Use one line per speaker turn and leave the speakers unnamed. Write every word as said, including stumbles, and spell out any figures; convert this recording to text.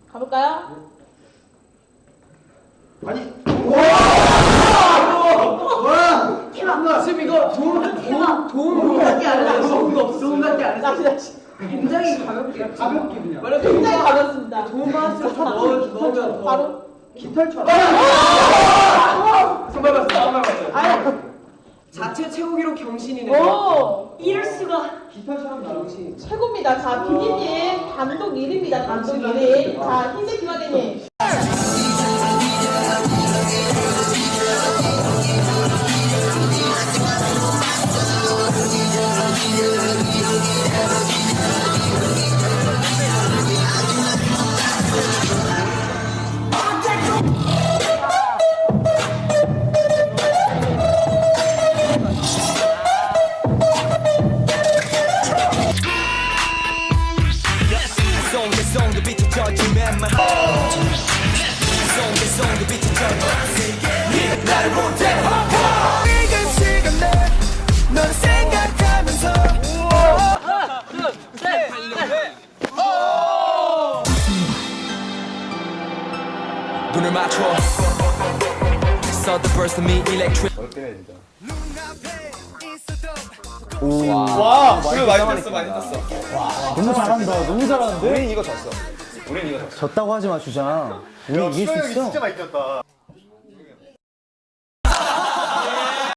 가볼까요?
아니.
와! 대박!
지금 이거 도움 도움 도움
같지 않아.
도움도 없어.
도움 같지 않아.
다시 다시.
굉장히 가볍게 가볍게 그냥.
원래 굉장히 가볍습니다.
도움 받았으면 좀 넣어 넣으면 더.
바로.
깃털처럼. 선발 봤어. 선발 봤어.
아유.
자체 최고 기록 경신이네.
오.
이럴 수가.
깃털처럼 경신.
최고입니다. 자, 비니님 단독 일 위입니다. 단독 일 위. 자, 흰색 김학의님.
눈을 맞춰 Sudden burst of me electric
와, 술 많이 땄어, 많이 땄어.
너무 잘한다. 너무 잘하는데?
우린 이거 졌어. 우린 이거 졌어.
졌다고 하지 마, 주장. 우리 이길 수 있어.
많이 떴다.